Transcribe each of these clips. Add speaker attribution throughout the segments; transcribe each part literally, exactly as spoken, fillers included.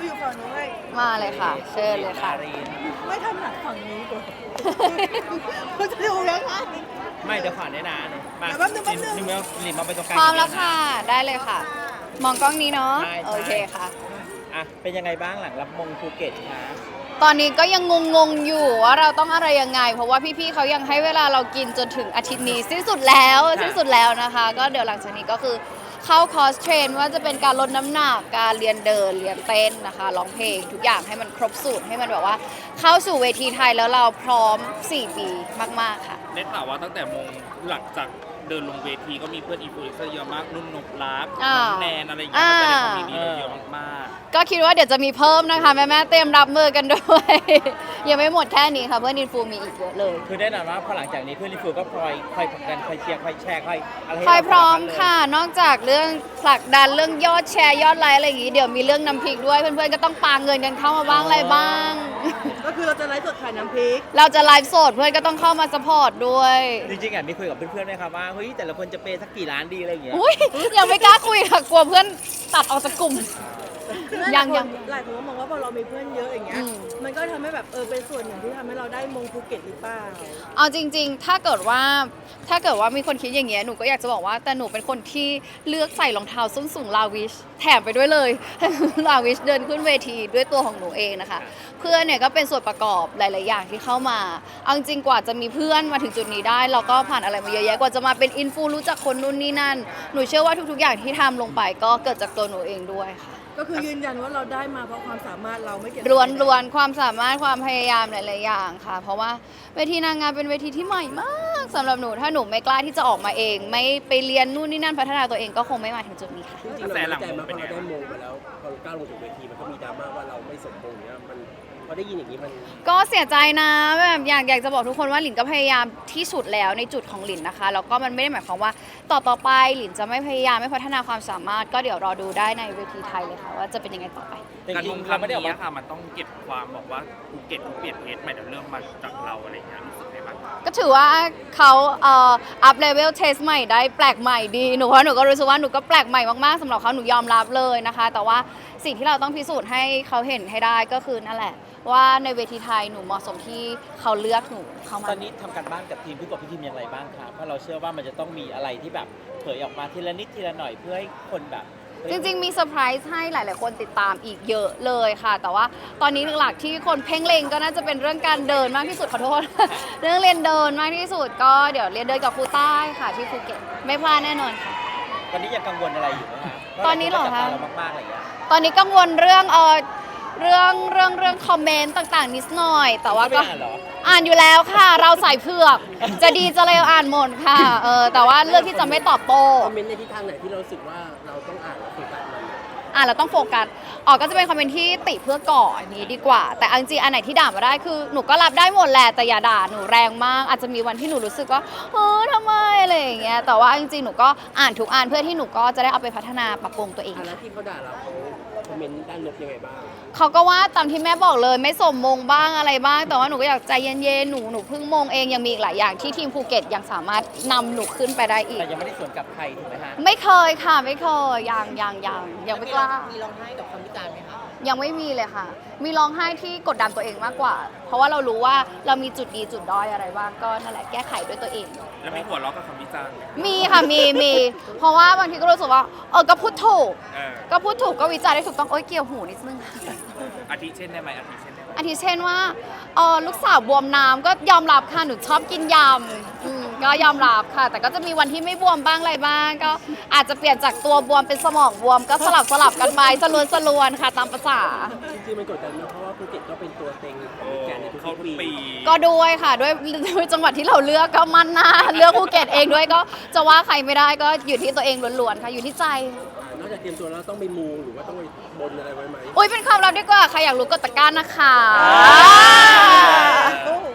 Speaker 1: อยู่ฝั่งนู้นให้
Speaker 2: มาเลยค่ะเชิญเลยค่ะ
Speaker 1: ไม่ถนัดฝั่งนี้ก่อนเขาจะดูยังไง
Speaker 3: ไม่เดี๋ยวขวัญได้นะมา
Speaker 1: เดี๋ยวแป๊บนึงแป๊บนึง
Speaker 3: ลิมลิมมาไปตรงกลาง
Speaker 2: พร้อมแล้วค่ะได้เลยค่ะ มองกล้องนี้เนาะ
Speaker 3: ใช่
Speaker 2: โอเคค่ะ
Speaker 3: อ่ะเป็นยังไงบ้างหลังรับมงภูเก็ตคะ
Speaker 2: ตอนนี้ก็ยังงงๆอยู่ว่าเราต้องอะไรยังไง เพราะว่าพี่ๆเขายังให้เวลาเรากินจนถึงอาทิตย์นี้สิ้นสุดแล้วสิ้นสุดแล้วนะคะ ก็เดี๋ยวหลังจากนี้ก็คือเข้าคอร์สเทรนว่าจะเป็นการลดน้ำหนักการเรียนเดินเรียนเต้นนะคะร้องเพลงทุกอย่างให้มันครบสูตรให้มันแบบว่า เข้าสู่เวทีไทยแล้วเราพร้อมสี่ปีมากๆค่ะ
Speaker 4: ได้ข่าวว่าตั้งแต่มงหลังจากเดินลงเวทีก็มีเพื่อนอินฟลูเอนเซอร์เยอะมากนุ่นนบลัก
Speaker 2: อ่า
Speaker 4: น้องแนนอะไรอย่างเงี้ย
Speaker 2: อ่า
Speaker 4: ก็แสดงความยินดีเราเยอะมาก
Speaker 2: ก็คิดว่าเดี๋ยวจะมีเพิ่มนะคะแม่ๆเตรียมรับมือกันด้วย ยังไม่หมดแค่นี้ค่ะเพื่อนอินฟูมีอีกเยอะเลย
Speaker 3: คือแน่นอนว่าพอหลังจากนี้เพื่อนลิฟูก็คอยคอยผลักดันคอยเชียร์คอยแชร์คอยอะไรให้
Speaker 2: คอยพร้อม
Speaker 3: เา
Speaker 2: ค่ะ นอกจากเรื่องผลักดันเรื่องยอดแชร์ยอดไลค์อะไรอย่างงี้เดี๋ยวมีเรื่องน้ำพริกด้วยเพื่อนๆก็ต้องปาเงินกันเข้ามาบ้างอะไรบ้าง
Speaker 1: ก็คือเราจะไลฟ์สดขายน้ำพริก
Speaker 2: เราจะไลฟ์สดเพื่อนก็ต้องเข้ามาสปอร์ตด้วย
Speaker 3: จริงๆอ่ะมีคุยกับเพื่อนๆไหมครับว่าเฮ้ยแต่ละคนจะเปย์สักกี่ล้านดีอะไรอย่างเงี้ย
Speaker 2: อุ้ยยังไม่กล้าคุยค่ะกลัวเพื่อนตัดออกจากกลุ่ม ยังยัง
Speaker 1: หลายคนก็มองว่าพอเรามีเพื่อนเยอะอย่างเงี้ย
Speaker 2: อืม
Speaker 1: มันก็ทำให้แบบเออเป็นส่วนหนึ่งที่ทำให้เราได้มงภูเก็ตหรือเปล่า
Speaker 2: เอาจริงๆ ถ้าเกิดว่าถ้าเกิดว่ามีคนคิดอย่างเงี้ยหนูก็อยากจะบอกว่าแต่หนูเป็นคนที่เลือกใส่รองเท้าส้นสูงลาวิชแถมไปด้วยเลย ลาวิชเดินขึ้นเวทีด้วยตัวของหนูเองนะคะ เพื่อนเนี่ยก็เป็นส่วนประกอบหลาย ๆ อย่างที่เข้ามาเอาจริงๆกว่าจะมีเพื่อนมาถึงจุดนี้ได้เราก็ผ่านอะไรมาเยอะแยะกว่าจะมาเป็นอินฟูรู้จักคนนู่นนี่นั่นหนูเชื่อว่าทุก ๆ อย่างที่ทำลงไปก็เกิดจากตัวหนูเองด้วยค่ะ
Speaker 1: ก็คือยืนยันว่าเราได้มาเพราะความสามารถเราไม่เกี่ยว
Speaker 2: รวนรวนความสามารถความพยายามหลาย ๆ อย่างค่ะ เพราะว่าเวทีนางงามเป็นเวทีที่ใหม่มากสำหรับหนูถ้าหนูไม่กล้าที่จะออกมาเอง ไม่ไปเรียนนู่นนี่นั่นพัฒนาตัวเองก็คงไม่มาถึงจุดนี้ค่ะ
Speaker 5: จริงๆเราดีใจมากพอเราได้มงมาแล้วพอเราก้าวลงถึงเวทีมันก็มีดราม่าว่าเราไม่สมมงเนี่ยมันพอได้ยินอย่างนี้มัน
Speaker 2: ก็เสียใจนะแบบอยากอยากจะบอกทุกคนว่าหลินก็พยายามที่สุดแล้วในจุดของหลินนะคะแล้วก็มันไม่ได้หมายความว่าต่อต่อไปหลินจะไม่พยายามไม่พัฒนาความสามารถ ก็เดี๋ยวรอดูได้ในเวทีไทยเลยค่ะว่าจะเป็นยังไงต่อไป
Speaker 3: แต่
Speaker 4: ๆการ
Speaker 3: จริ
Speaker 4: ล
Speaker 3: ง
Speaker 4: ง
Speaker 3: ๆ
Speaker 4: ค
Speaker 3: เรา
Speaker 4: รั้ง
Speaker 3: ไม่ได้ออก
Speaker 4: นี้
Speaker 3: มา
Speaker 4: ค่ะมันต้องเก็บความบอกว่าภูเก็ตเขาเปลี่ยนเพจใหม่เดี๋ยวเริ่มมาจากเราอะไรอย่างเงี้ยรู้สึกไงบ้าง
Speaker 2: ก็ถือว่าเขาเอ่ออัพเลเวลเทสใหม่ได้แปลกใหม่ดีหนูว่าหนูก็รู้สึกว่าหนูก็แปลกใหม่มากๆสำหรับเขาหนูยอมรับเลยนะคะ แต่ว่าสิ่งที่เราต้องพิสูจน์ให้เขาเห็นให้ได้ก็คือนั่นแหละ ว่าในเวทีไทยหนูเหมาะสมที่เขาเลือกหนูเข้ามา
Speaker 3: ตอนนี้ทำการบ้านกับทีมพี่กบพี่ทีมอย่างไรบ้างครับเพราะเราเชื่อว่ามันจะต้องมีอะไรที่แบบเผยออกมาทีละนิดทีละหน่อยเพื่อให้คนแบบเฮ้ย
Speaker 2: จริงๆ มีเซอร์ไพรส์ให้หลายๆ คนติดตามอีกเยอะเลยค่ะ แต่ว่าตอนนี้หลักๆที่คนเพ่งเล็งก็น่าจะเป็นเรื่องการเดินมากที่สุดขอโทษ เรื่องเรียนเดินมากที่สุดก็เดี๋ยวเรียนเดินกับครูใต้ค่ะที่ภูเก็ตไม่พลาดแน่นอนค่ะ
Speaker 3: ตอนนี้ยังกังวลอะไรอยู่ไหมคะ
Speaker 2: ตอนนี้เหรอคะ
Speaker 3: พาเรามากๆอะไรอย่างเงี้ย
Speaker 2: ตอนนี้กังวลเรื่องเออเรื่องเรื่องเรื่องคอมเมนต์ต่างๆนิดหน่อย แต่ว่า
Speaker 3: ไม่
Speaker 2: ก็
Speaker 3: อ่านเหรอ
Speaker 2: อ่านอยู่แล้วค่ะ เราใส่เผือก จะดีจะเลวอ่านหมดค่ะเออแต่ว่าเลือกที่จะไม่ตอบโต้
Speaker 5: คอมเมนต์ในทิศทางไหนที่เรารู้สึกว่าเราต้องอ่านแล้วโฟกัสมัน
Speaker 2: อ่านแล้วต้องโฟกัสออกก็จะเป็นคอมเมนต์ที่ติเพื่อก่ออันนี้ดีกว่า แต่เอาจริงๆอันไหนที่ด่ามาได้คือหนูก็รับได้หมดแหละแต่อย่าด่าหนูแรงมาก อาจจะมีวันที่หนูรู้สึกว่าเออทำไมอะไรอย่างเงี้ยแต่ว่าจริงๆหนูก็อ่านทุกอ่านเพื่อที่หนูก็จะได้เอาไปพัฒนาปรับปรุงตัวเอง
Speaker 5: อันนั้นที่เขาด่าเราเขาคอมเมนต์ด้านลบยังไงบ้าง
Speaker 2: เขาก็ว่าตามที่แม่บอกเลยไม่สมมงบ้างอะไรบ้าง แต่ว่าหนูก็อยากใจเย็นๆหนูหนูเพิ่งมงเองยังมีอีกหลายอย่างที่ทีมภูเก็ตยังสามารถนำหนูขึ้นไปได้อีก
Speaker 3: แต่ยังไม่ได้สวนกลับใครถูกไหมฮะ
Speaker 2: ไม่เคยค่ะไม่เคยยังยังยังยังไม่กล้า
Speaker 1: มีร้องไห้กับคำวิจารณ์ไหมคะ
Speaker 2: ยังไม่มีเลยค่ะ มีร้องไห้ที่กดดันตัวเองมากกว่า เพราะว่าเรารู้ว่าเรามีจุดดีจุดด้อยอะไรบ้างก็นั่นแหละแก้ไขด้วยตัวเอง
Speaker 4: แล้วมีหัวเราะกับคำวิจารณ์ไหม
Speaker 2: มีค่ะมีมีเพราะว่าบางทีก็รู้สึกว่าเออก็พูดถูก
Speaker 4: เออ
Speaker 2: ก็พูดถูกก็วิจารณ์ได้ถูกต้องโอ๊ยเกี่ยวหูนิดนึง
Speaker 4: อาทิเช่นได้ไหมอาทิเช่นได้ไหม
Speaker 2: อาทิเช่นว่าเออลูกสาวบวมน้ำก็ยอมรับค่ะหนูชอบกินยำอืมก็ยอมรับค่ะ แต่ก็จะมีวันที่ไม่บวมบ้างอะไรบ้าง ก็อาจจะเปลี่ยนจากตัวบวมเป็นสมองบวมก็สลับสลับกันไปสลวนสลวนค่ะตามภาษา
Speaker 5: จริงๆมันกดดันนะเพราะว่าภูเก็ตก็เป็นตัวเต็งของแกนในทุ
Speaker 4: เข้าก ทุก
Speaker 5: ๆปี
Speaker 4: ปี
Speaker 2: ก็ด้วยค่ะด้วยด้วยจังหวัดที่เราเลือกก็มันหน้าเลือกภูเก็ตเองด้วยก็จะว่าใครไม่ได้ก็อยู่ที่ตัวเองล้วนๆค่ะอยู่ที่ใจ
Speaker 5: อ่านอกจากเตรียมตัวแล้วต้องไปมูหรือว่าต้องไปบนอะไรไว้ไหม
Speaker 2: อุ้ยเป็นความลับดีกว่าใครอยากรู้กดตะกร้านะคะ
Speaker 1: โอ้โห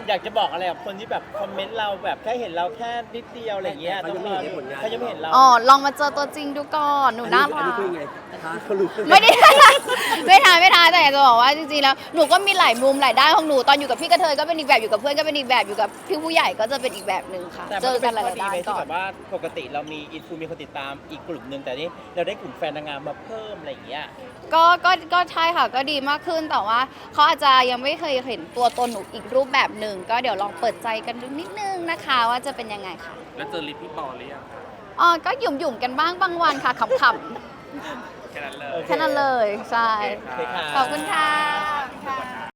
Speaker 3: อยากจะบอกอะไรกับคนที่แบบคอมเมนต์เราแบบแค่เห็นเราแค่นิดเดียวอะไรอย่างเงี้ย
Speaker 5: เขายังไม่เห็นผลงาน
Speaker 3: เขายังไม่เห็นเรา
Speaker 2: อ๋อ ลองมาเจอตัวจริงดูก่อน หนูน่า
Speaker 5: อั
Speaker 2: รั
Speaker 5: นี้
Speaker 2: ก
Speaker 5: คือไงท้าเขารู้
Speaker 2: ไม่ได้ ไม่ทานไม่ทานแต่อยากจะบอกว่าจริงๆแล้วหนูก็มีหลายมุมหลายด้านของหนูตอนอยู่กับพี่กระเทยก็เป็นอีกแบบอยู่กับเพื่อนก็เป็นอีกแบบอยู่กับพี่ผู้ใหญ่ก็จะเป็นอีกแบบหนึ่งค่ะ
Speaker 3: แต่
Speaker 2: เจ
Speaker 3: มัน
Speaker 2: อ
Speaker 3: ก็
Speaker 2: กั
Speaker 3: เป็น น
Speaker 2: หลา
Speaker 3: ข้อย ดี
Speaker 2: ๆด้าน
Speaker 3: ไหม
Speaker 2: ก่
Speaker 3: ที่
Speaker 2: อ
Speaker 3: แบ
Speaker 2: น
Speaker 3: บว่าปกติเรามีอินฟูมีคนติดตามอีกกลุ่มหนึ่งแต่นี่เราได้กลุ่มแฟนนางงามมาเพิ่มอะไรอย่างเงี้ย
Speaker 2: ก็ก็ก็ใช่ค่ะก็ดีมากขึ้นแต่ว่าเขาอาจจะยังไม่เคยเห็นตัวตนหนูอีกรูปแบบหนึ่งก็เดี๋ยวลองเปิดใจกันดูนิดนึงนะคะว่าจะเป็นยังไงค่ะ
Speaker 4: แล้วเจอลิปพี่ปอหรือยังคะ
Speaker 2: อ๋อก็หยุ่มหยุ่มๆกันบ้างบางวันค่ะขำ
Speaker 4: แค่นั้นเลย
Speaker 3: โอ
Speaker 2: ๆแค่นั้นเลยใช่
Speaker 3: โอเคค่ะ
Speaker 2: ขอบคุณค่ะ